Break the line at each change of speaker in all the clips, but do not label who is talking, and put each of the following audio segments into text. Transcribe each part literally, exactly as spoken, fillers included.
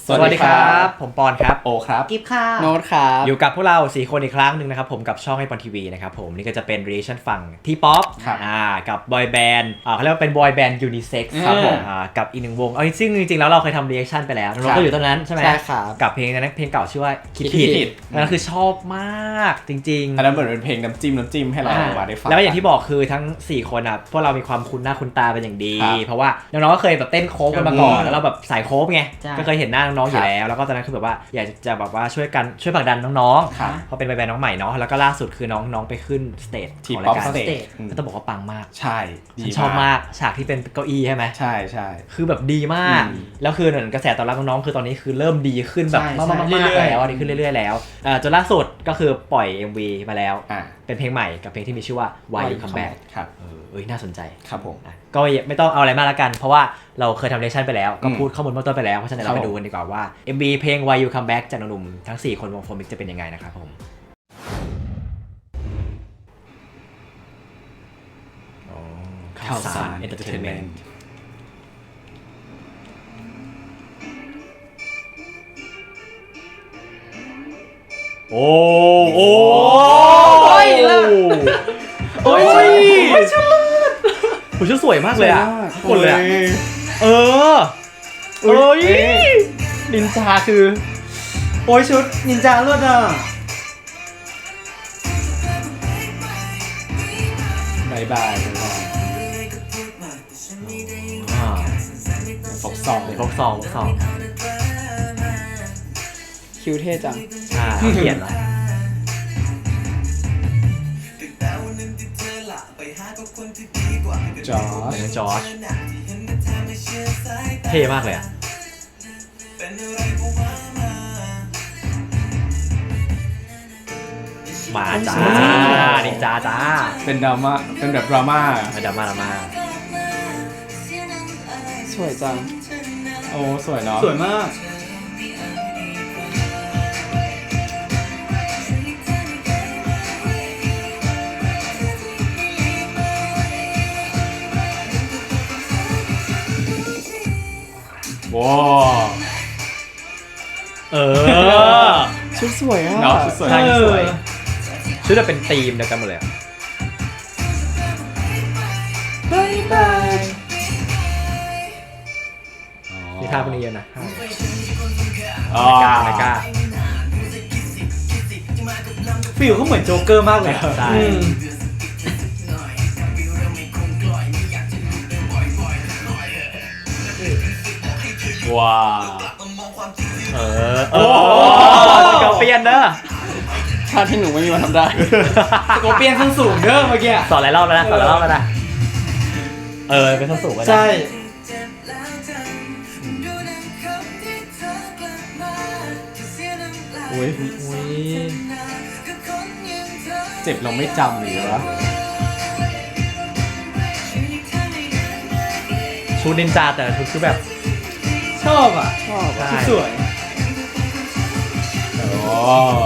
สวัสดีครับผมปอนครับ
โอครับ
กิฟค่ะ
โน้ตครับ
อยู่กับพวกเราสี่คนอีกครั้งหนึ่งนะครับผมกับช่องไอปอนทีวีนะครับผมนี่ก็จะเป็น reaction ฝั่งทีป๊อปอ่ากับบอยแบนด์อ่าเขาเรียกว่าเป็นบอยแบนด์ยูนิเซ็กซ์ครับผมอ่ากับอีกหนึ่งวงเอาจริงจริงๆแล้วเราเคยทำ reaction ไปแล้วเราก็อยู่ตรงนั้นใช่ไหม
ใช่ครับ
กับเพลงนั้นเพลงเก่าชื่อว่าคิดผิดนั่นคือชอบมากจริงๆ
อันนั้นเหมือนเป็นเพลงน้ำจิ้มน้ำจิ้มให้เรามาได้ฟัง
แล้วอย่างที่บอกคือทั้งสี่คนอ่ะพวกเรามีความคุ้นหน้าคุ้นตาเป็นอย่างดีเพราะว่าน้องๆก็เคยแบบเต้นโค้งกันมาก่อนแล้วเราแบบสายโค้งไงก็เคยเห็นหน้าน้องๆอยู่แล้วแล้วก็ตอนนั้นคือแบบว่าอยากจะแบบว่าช่วยกันช่วยผลักดันน้องๆเพราะเป็นแบรนด์น้องใหม่เนาะแล้วก็ล่าสุดคือน้องๆไปขึ้นสเตจของรายการก็ต้องบอกว่าปังมาก
ใช่
ฉันชอบมากฉากที่เป็นเก้าอี้ใช่ไหม
ใช่ใช่
คือแบบดีมากแล้วคือเหมือนกระแสตอบรับน้องๆคือตอนนี้คือเริ่มดีขึ้นแบบมากๆแล้วดีขึ้นเรื่อยๆแล้วจนล่าสุดก็คือปล่อย เอ็ม วี มาแล้วเป็นเพลงใหม่กับเพลงที่มีชื่อว่า Why You Come Back
ครับ
เอ้ยน่าสนใจ
ครับผม
ก็ไม่ต้องเอาอะไรมากละกันเพราะว่าเราเคยทำเรชั่นไปแล้วก็พูดข้อมูลเบื้องต้นไปแล้วเพราะฉะนั้นเราไปดูกันดีกว่าว่า เอ็ม วี เพลง Why You Come Back จากหนุ่มๆทั้งสี่คนวงโฟมิกจะเป็นยังไงนะครับผมข่าวสารเอนเตอร์เทนเมนต์โอ้โอ้โอ้ยโอ้ยชุดผมชุดสวยมากเลยอ่ะหมดเลยเออเอ้ยนินจาคือ
โอ้ยชุดนินจาเลือดอ่ะ
บายบายฟกซอง
ฟกซองฟกซอง
คิวเท่จัง
อ่าเขียนเหรอ
จอร์จ
จอร์จเท่มากเลยอ่ะมาจ้านินจาจ้า
เป็นดราม่าเป็นแบบดราม่า
เป็นดราม่าดราม่า
สวยจัง
โอ้สวยเนาะ
สวยมาก
ว้า
เออ
ชุดสวยอ่ะ
เนาะชุดสวย
ชุดสวยชุดจะเป็นธีมเดียวกันหมดเลย
บายบาย
มีท่าพวกนี้เยอะนะ
อ๋อ
ไม่กล้าไม่กล้า
ฟิลเขาเหมือนโจ๊กเกอร์มากเลย
ใช่ว้าเออโอ้สกอร์เปียนเนอะ
ท่าที่หนูไม่มีวันทำได้
สกอร์เปียนส้นสูงเด้อเมื่อกี้
สอนหลายรอบแล้วนะสอนหลายรอบแล้วนะเออเป็นส้นสูงก็ได้
ใช่
โอ้ยเจ็บเราไม่จำหรือวะ
ชุดนินจาแต่ชุดคือแบบ
ชอบอ่ะ
ชอบ
ชุดสวย
โอ้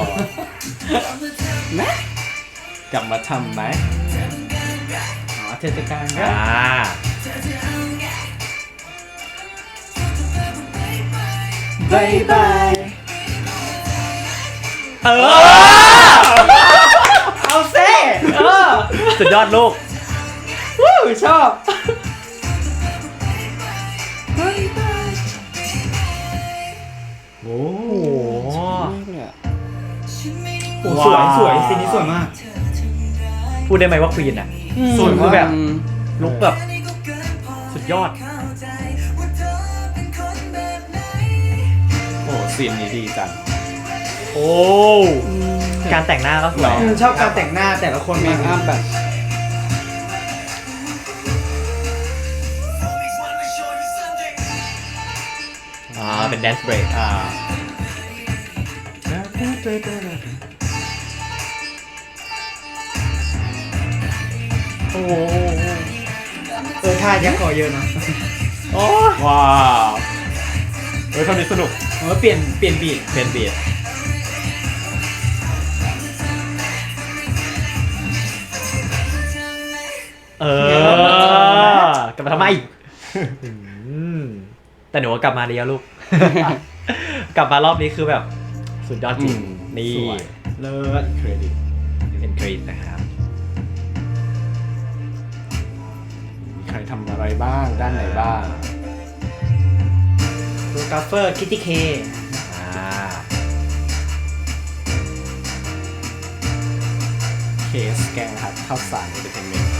แม่
กลับมาทำไหม
อ๋อเทศกาล
อ่า
บายบาย
เออ
เอาเซ่เออ
สุดยอดลูก
วู้ชอบ
โอ้โห
โอ้สวยสวยซีนนี้สวยมาก
พูดได้ไหมว่าควีนอ่ะสวยคือแบบลุกแบบสุดยอด
โอ้ซีนนี้ดีจัง
โอ้การแต่งหน้าก็สวย
ชอบการแต่งหน้าแต่ละคน
เมคอัพแบบ
อ่าเป็นแดนซ์เบรก
อ่า
โอ้
เออท่ายักษ์คอเยอะนะ
โอ้
ว้าวเฮ้ยคำนี้สนุก
เออเปลี่ยนเปลี่ยนบีท
เปลี่ยนบีทเออกลับมาทำไมแต่หนูกลับมาดีแล้วลูกกลับมารอบนี้คือแบบสุดยอดจริง
อืม
นี่
สวย
เลิศ
เครดิต
เป็นกรีดนะครับ
มีใครทำอะไรบ้างด้านไหนบ้าง
โปรกราฟเฟอร์คิตตี้เค
อ่า
เคสแกงนะครับข้าวสารเอนเตอร์เทนเมนต์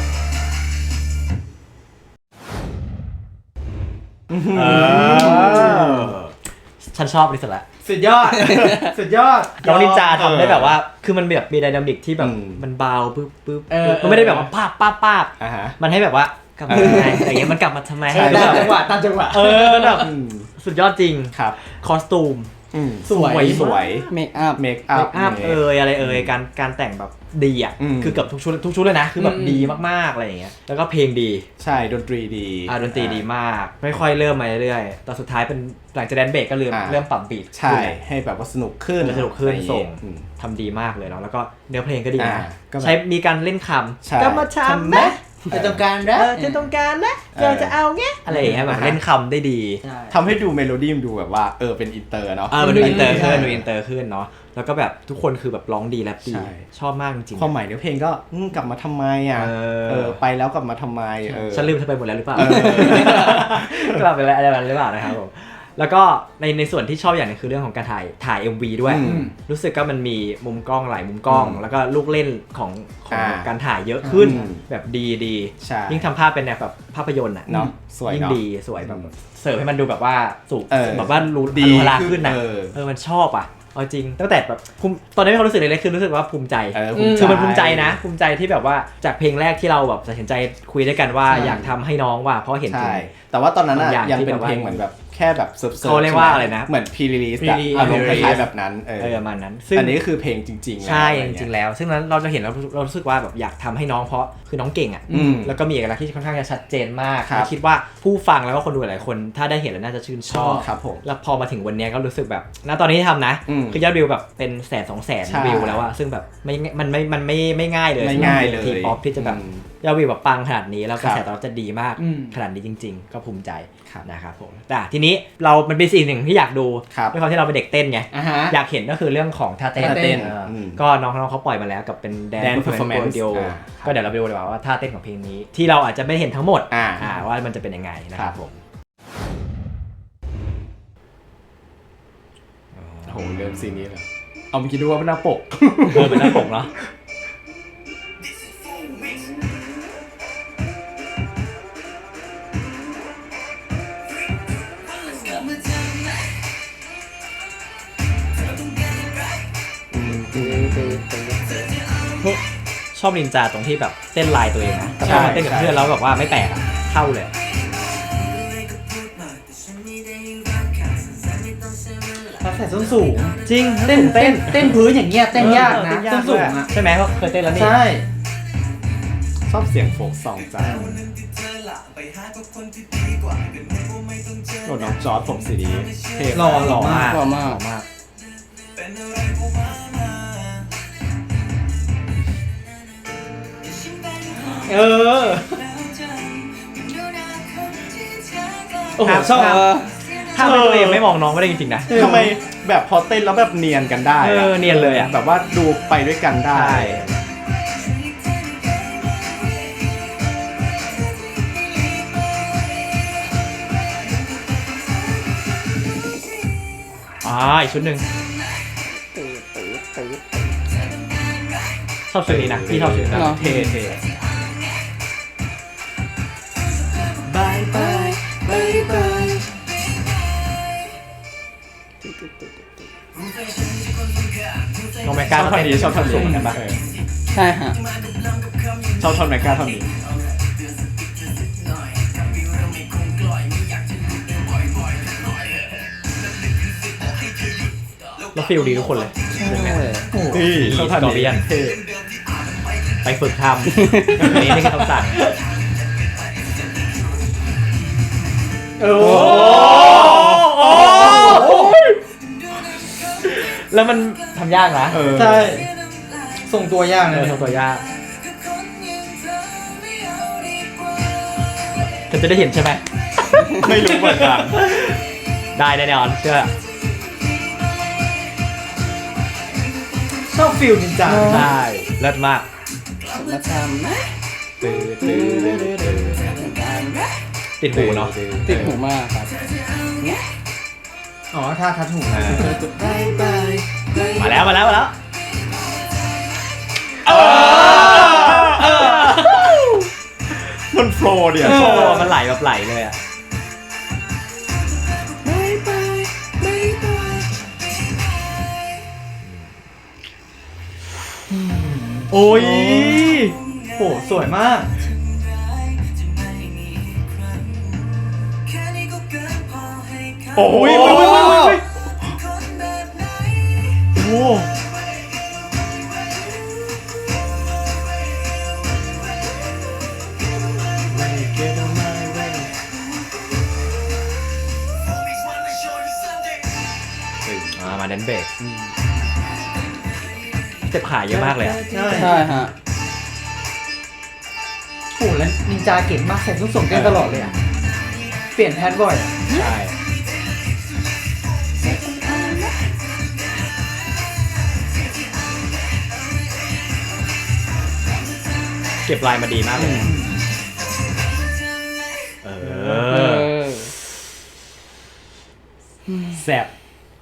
เออฉันชอบนี่สุดละ
สุดยอด สุดยอด
น้องนินจาทำได้แบบว่า คือมันแบบมีไดนามิกที่แบบ
อืม
มันเบาปึ๊บปึ๊บ
เออ
มันไม่ได้แบบว่าป้าบป้าบป้าบ
อ่าฮะ
มันให้แบบว่ากลับมาทำไมอะไรอย่างเงี้ยมันกลับมาทำไม
เออตามจังหวะตามจังหวะ
เออแบบ
อืม
สุดยอดจริง
ครับ
คอสตูม
อืม
สวย
สวย
เมคอัพ
เมคอั
เม
พ
คอัพเอยอะไรเอยการการแต่งแบบดีอ่ะ
อืม
คือเกือบทุกชุดทุกชุดเลยนะ คือแบบ
อืม
ดีมากๆอะไรอย่างเงี้ย แล้วก็เพลงดี
ใช่ดนตรีดี
อ่าดนตรีดีมาก ไม่ค่อยเริ่มมาเรื่อยๆแต่สุดท้ายเป็นหลังจากแดนเบรกก็เริ่ม
อ่า
เริ่มปรับบีท
ใช่ ให้แบบว่าสนุกขึ้น
สนุกขึ้น
อะไรอย่าง
ส่
เงี้
ง
ยอืม
ทำดีมากเลยเนาะแล้วก็เนื้อเพลงก็ดี
อ่า
นะ
ก็แบบ
ใช้มีการเล่นค
ใช่
ำก็มาทำไหม
ไอต้องการ
เอ
นะ
อที่ต้องการนะอยากจะเอาเงี้ยอะไรอย่างเงี้ยแบบ
อ่าฮะ
เล่นคำได้ดี
ใช่
ทำให้ดูเมโลดี้มันดูแบบว่าเออเป็นอินเตอร์เนาะ
เออมันดูอินเตอร์
ใช่
ขึ้นดูอินเตอร์ขึ้นเนาะแล้วก็แบบทุกคนคือแบบร้องดีแรปดี
ใช่
ชอบมากจริงๆ
ความหมายเนื้อเพลงก็อืมกลับมาทำไมอ่ะ
เออ
เออไปแล้วกลับมาทำไมเออ
ฉันลืมเธอไปหมดแล้วหรือเปล่า
เออ
กลับไปแล้วอะไรแบบนั้นหรือเปล่านะครับผมแล้วก็ในในส่วนที่ชอบอย่างหนึงคือเรื่องของการถ่ายถ่าย เอ็ม วี ด้วย
อืม
รู้สึกก็มันมีมุมกล้องหลายมุมกล้อง
อืม
แล้วก็ลูกเล่นของของ
อ่า
การถ่ายเยอะขึ้น
อืม
แบบดีดี
ใช่
ยิ่งทำภาพเป็นแบบภาพยนตร์อ่ะ
เนาะสวย
ยิ่ง
เนาะ
ดีสวยแบบ
อืม
เสิร์ฟให้มันดูแบบว่าสุก
เออ
แบบว่ารู้
ดี
อนุราขึ้นนะ
เออ
เออมันชอบอ่ะเอาจริงตั้งแต่แบบภูมิตอนนี้มีความรู้สึกเล็กๆคือรู้สึกว่าภูมิใจ
เออ
คือมันภูมิใจนะ ภูมิใจที่แบบว่าจากเพลงแรกที่เราแบบตัดสินใจคุยด้วยกันว่า
ใช่
อยากทำให้น้องว่าเพราะเห็นถึ
ใช่
ง
แต่ว่าตอนนั้น
บาง
อะ
อย่าง
ยัง
ที่
เป็น
แบบว่า
เพลงเหมือนแบบแค่แบบเซิร์ฟๆ
เขาเรียกว่าอะไรนะ
เหมือนพรีรีลีส
pre-release
อารมณ์ค
pre-release
ล้ายๆแบบนั้นเออ
เออประมาณนั้นซึ่ง
อันนี้ก็คือเพลงจริงๆ
ใช่
แล้ว
จริงๆแล้ว ซึ่งนั้นเราจะเห็นเราเรารู้สึกว่าแบบอยากทำให้น้องเพราะคือน้องเก่งอ่ะ
อืม
แล้วก็มีเอกลักษณ์ที่ค่อนข้างจะชัดเจนมาก
ครับ
และคิดว่าผู้ฟังแล้วก็คนดูหลายๆคน ถ้าได้เห็นแล้วน่าจะชื่นชอบ
ครับผม
แล้วพอมาถึงวันเนี้ยก็รู้สึกแบบณตอนนี้ที่ทำนะ
อืม
คือยอดวิวแบบเป็นแสนสองแสน
ใช่
วิวแล้วอะซึ่งแบบไม่มันไม่มันไม่ไม่ง่ายเลย
ไม่ง่ายเลย
ทีป๊อปที่จะแบบ
อืม
ยอดวิวแบบปังขนาดนี้แล้วกระแส
ครับ
ตอบรับจะดีมาก
อืม
ขนาดนี้จริง ๆ ก็ภูมิใจ
ครับ
นะครับผมแต่ทีนี้เรามันเป็นสิ่งหนึ่งที่อยากดู
ครับ
ด้วยความที่เราเป็นเด็กเต้นไง
อ่ะฮะ
อยากเห็นก็คือเรื่องของท่าเต้น
ท่าเต้น
อออ
ม
ก็น้องๆเขาปล่อยมาแล้วกับเป็นแดน
Dance
เพอร์ฟอร์แมน
performance
ซ์เดียว
อ่า
ก็เดี๋ยวเราไปดูดีกว่าว่าท่าเต้นของเพลงนี้ ที่เราอาจจะไม่เห็นทั้งหมด
อ่า
อ่าว่ามันจะเป็นยังไงนะครับผม
โอ้โหเริ่มซีนนี้เลยเอาเมื่อกี้ดูว่าเป็นหน้าปก
เออเป็นหน้าปกเนาะ ชอบนินจาตรงที่แบบเต้นลายตัวเองนะแต่พอมาเต้นกับเพื่อนแล้วแบบว่าไม่แปลกอะเข้าเลย
ถ้าใส่ส้นสูง
จริง
เต้นเต้นเต้นพื้นอย่างเงี้ยเต้นยากนะ
เต้
ส้นสูงอ่ะ
ใช่ไหมเพราะเคยเต้นแล้วนี่
ใช่
ชอบเสียงโฟกซองจังโอ้น้องจอร์ดผมสีนี้เท่
หล่อ
มาก
หล่อมาก
หล่อมาก
มาก
เออโอ้โหชอบ
เออ
ถ้าไม่ตัวเองไม่มองน้องไม่ได้จริงๆนะ
ทำไมแบบพอเต้นแล้วแบบเนียนกันได้ะ
เออเนียนเลยอะ
แบบว่าดูไปด้วยกันได้
ใช่อ่าอีกชุดหนึ่งชอบชุดนี้นะพี่ชอบชุดนี้นะ
เนอะ
เท่เท่
บายบายบายบาย
น้องแมก
ช
กา
อบท่อนนี้ชอบท่อนสูงกันปะ
ใช่ฮะ
ชอบท่อนแมกกาท่อนนี้
แล้วฟิลดีทุกคนเลย
ใช่
นี่ชอบท่อน
กอร์เบี
นี้
ยน
เท่
ไปฝึกทำอันนี้นี่คือคำสั่ง
โอ้
โอ้แล้วมันทำยากนะ
เออ
ใช่ส่งตัวยาก
เอ
เล
อย ทำตัวยากเธอจะได้เห็นใช่ไหม
ไม่รู้เหมือนกัน
ได้แน่นอนเชื่อ
ชอบฟิลนินจา
ใช่เลิศมาก
มาทำนะ
ติดหูเนาะ
ติดหูมากครับ
อ๋อท่าทัดหู
อ่า
บายบายบาย
มาแล้วมาแล้วมาแล้วเออ
มันโฟล์เนี่ย
โอ้มันไหลแบบไหลเลยอ่ะ
บายบายบายบาย
โอ้ย
โหสวยมาก
โอ้ย
โอ้ยโอ้ยโอ้ยโอ้ย
โอ้
อ่ามาเดนเบรกเจ็บขาเยอะมากเลยอะ
ใช่
ใช่ฮะ
โหแล้วนินจาเก่งมากใส่ทุกส่งเต้นตลอดเลยอ่ะเปลี่ยนแพทบ่อยอะ
ใช่เก็บลายมาดีมากเลย เอ
เอ
อ
อ
แซ่บ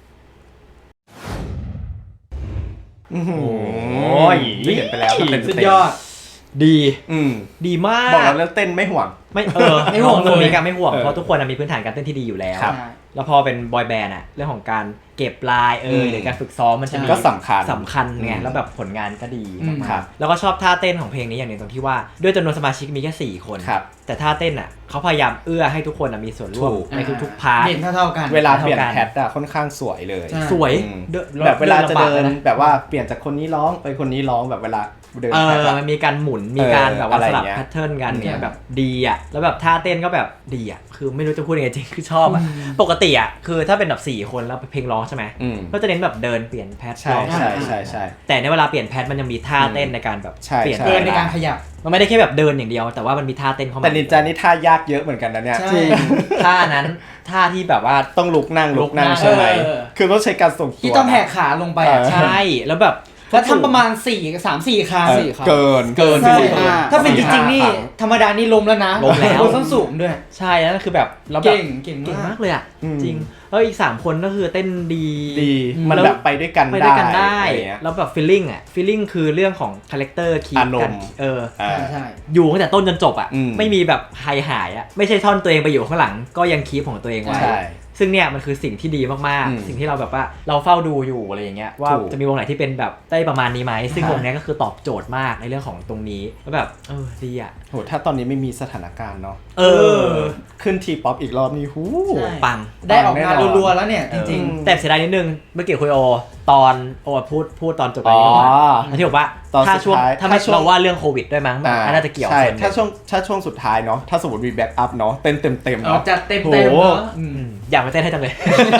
โอ้โห
โอ้ย
ได้เห็นไปแล้วเต็มๆ
สุดยอด
ดี
อืม
ดีมาก
บอกแล้วเรื่องเต้นไม่ห่วง
ไม่เออ
ไม่ห่วงเลย
โฟมิกอะไม่ห่วง
เออ
เพราะทุกคนอะมีพื้นฐานการเต้นที่ดีอยู่แล้ว
ครับ
แล้วพอเป็นบอยแบนด์อะเรื่องของการเก็บลายเออ
ม
หรือการฝึกซ้อมมันจะมี
ก็สำคัญ
สำคัญไง
อืม
แล้วแบบผลงานก็ดี
อืม
มาก
ครับ
ๆแล้วก็ชอบท่าเต้นของเพลงนี้อย่างหนึ่งตรงที่ว่าด้วยจำนวนสมาชิกมีแค่สี่คน
ครับ
แต่ท่าเต้นอะเขาพยายามเอื้อให้ทุกคนอะมีส่วนร่วม
ถูก
ในทุกๆพาร์ท
เด่นเท่าๆกัน
เวลาเปลี่ยน
เท่ากัน
แพทอะค่อนข้างสวยเลย
ใช่
สวย
อืม
เดิน
แบบเวลาจะเดิน
ลำบากเลยนะ
แบบว่าเปลี่ยนจากคนนี้ร้องไปคนนี้ร้องแบบเวลาเดิน
เอ
แพท
อ
อะ
มันมีการหมุน มีการ
เออ
แบบว่า
อะไร
สลับ
เงี้ย
แพทเทิร์นกันเนี่ย
อืม
แบบดีอ่ะ แล้วแบบท่าเต้นก็แบบดีอ่ะ คือไม่รู้จะพูดยังไงจริง คือชอบอ่ะ ปกติอ่ะ คือถ้าเป็นแบบสี่คนแล้วเพลงร้องใช่ไหม
อืม
ก็จะเน้นแบบเดินเปลี่ยนแพท
ใช่
ร้อง
ใช่ใช่ใช่
แต่ในเวลาเปลี่ยนแพทมันยังมีท่าเต้นในการแบบ
ใช่
เปลี่ยน
ใช่
เดินในการขยับ
มันไม่ได้แค่แบบเดินอย่างเดียว แต่ว่ามันมีท่าเต้นเข้ามา
แต่นินจานี่ท่ายากเยอะเหมือนกันนะเนี่ย
ใช่
จริงท่านั้น ท่าที่แบบว่า
ต้องลุกนั่งลุกนั่ง
ลุกนั่ง
ใช่ไหม
เออ
คือต้องใช้การส่งตัว
ที่ต้องแหกขาลงไปอ่ะ
เออ
ใช่ แล้วแบบ
แล้วทำประมาณสี่สามสี่ครั้ง
เออ
สี่ครับ
เกิน
เกิน
ใช่
สี่ห้
ถ้าเป็นจริงๆนี่
สี่ห้า
ธรรมดานี่ล้มแล้วนะ
ล้มแล้ว
บนส้นสูงด้วย
ใช่แล้วคือแบบแล้วแบบ
เก่งเก่ง
เก่ง
มาม
าก กเลยอ่ะ
อืม
จริง แล้วอีกสามคนก็คือเต้นดี
ดีมันแบบไปด้วยกัน
ไปด้วยกันได้
อะไรเงี้ย
แล้วแบบฟีลลิ่งอ่ะฟีลลิ่งคือเรื่องของคาแรคเตอร์คี
อารมณ์
กันเออ
อ่า
ใช่ใช่
อยู่ตั้งแต่ต้นจนจบอ่ะ
อืม
ไม่มีแบบหายหายอ่ะไม่ใช่ท่อนตัวเองไปอยู่ข้างหลัง ก็ยังคีปของตัวเองไว้
ใช่
ซึ่งเนี่ยมันคือสิ่งที่ดีมาก
อืม
ๆ สิ่งที่เราแบบว่าเราเฝ้าดูอยู่อะไรอย่างเงี้ยว่า
ถูก
จะมีวงไหนที่เป็นแบบได้ประมาณนี้ไหมซึ่ง
ค่ะ
วงเนี้ยก็คือตอบโจทย์มากในเรื่องของตรงนี้แล้วแบบเออดีอ่ะ
โหถ้าตอนนี้ไม่มีสถานการณ์เนาะ
เออ
ขึ้นทีป๊อปอีกรอบนี่หู
ใช่
ปัง
ได้ออกงาน
แน่นอน
รัวๆแล้วเนี่ยจริง
เออ
แต่เสียดายนิดนึงเมื่อกี้คุยโอตอนโอพูดพูดตอนจบไป
อ๋อ
ที่บอกว่า
ตอน
ถ้าช่วง
สุดท้าย
ถ้าไม่
ถ้าช่วง
เราว่าเรื่องโควิดด้วยมั้งแบบน่าจะเกี่ยว
ใช่
ส่วนหนึ่ง
ถ้าช่วงถ้าช่วงสุดท้ายเนาะถ้าสมมติมีแบ็กอัพเนาะเต้นเต็มเต็ม
ๆ
ๆ
เอา
เนาะ
จัดเต็ม
โห
เต็มเนาะอืม
อืมอยากมาเต้นให้จังเลย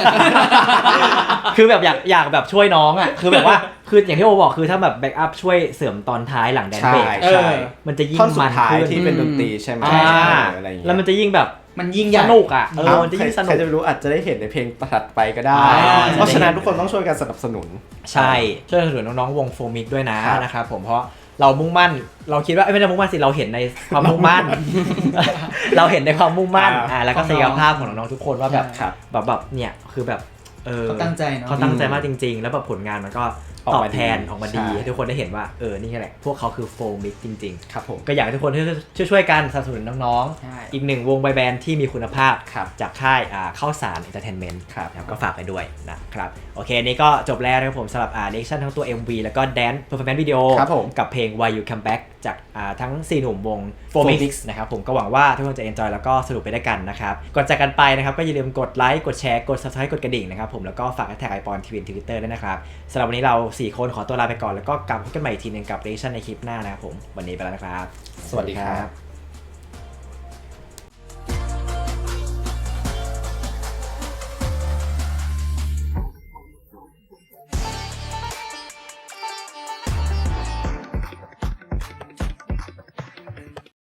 คือแบบอยากอยากแบบช่วยน้องอ่ะ คือแบบว่า คืออย่างที่โอบอกคือถ้าแบบแบ็กอัพช่วยเสริมตอนท้ายหลังแดน
ใช่
เบรก
ใช่
มันจะยิ่ง
ท่อนสุ
มั
ด
น
ท้าย
ขึ้น
ที่เป็นดนตรีใช่ไหม
อ่า
เอออะไรอย่างเงี้ย
แล้วมันจะยิ่งแบบ
มันยิ่งใหญ่
สนุกอ่ะ เออ
เอ้า
มันจะยิ่งสนุ
ใคร
ก
จะไปรู้อาจจะได้เห็นในเพลงถัดไปก็ได้
อ่า
เพราะฉะนั้นทุกคนต้องช่วยกันสนับสนุน
ใช่ ช่วยสนับสนุนน้องๆวงโฟมิกด้วยนะ
ครับ
นะครับผมเพราะเรามุ่งมั่น เราคิดว่าเอ้ยไม่ได้มุ่งมั่นสิเราเห็นในความมุ่งมั่น เราเห็นในความมุ่งมั่น
อ่า
อ่าแล้วก็ศักยภาพของน้องๆทุกคนว่าแบบ
ครับ
แบบแบบเนี่ยคือแบบเออ
เขาตั้งใจเนอะ
เขาตั้งใจมากจริง ๆ แล้วแบบผลงานมันก็
ออก
ตอบ
มาดี
แทนออกมาดี
ใช่
ให้ทุกคนได้เห็นว่าเออนี่แหละพวกเขาคือโฟมิกจริง
ครับผม
ๆ ก็อยากให้ทุกคนช่วยช่วยๆกันสนับสนุนน้อง
ใช่
ๆ อีกหนึ่งวงบอยแบนด์ที่มีคุณภาพ
ครับ
จากค่ายอ่าข้าวสารเอนเตอร์เทนเมนต์
ครับ
ก็ฝากไปด้วยนะครับโอเคนี่ก็จบแล้วนะครับผมสำหรับอ่าเรคชั่นทั้งตัว เอ็ม วี แล้วก็ Dance Performance Video
ครับผม
กับเพลง Why You Come Back จากอ่าทั้งสี่หนุ่มวง โฟมิก นะครับผมก็หวังว่าทุกคนจะ enjoy แล้วก็สนุกไปด้วยกันนะครับก่อนจากกันไปนะครับก็อย่าลืมกดไลค์กดแชร์กด subscribe กดกระดิ่งนะครับผมแล้วก็ฝากแท็กไอปอนทีวีทวิตเตอร์ด้วยนะครับสำหรับวันนี้เราสี่คนขอตัวลาไปก่อนแล้วก็กลับพบกันใหม่อีกทีหนึงกับเรคชั่นในคลิปหน้านะครับผมวันนี้ไปแล้วนะครับ
สวัสดีครับ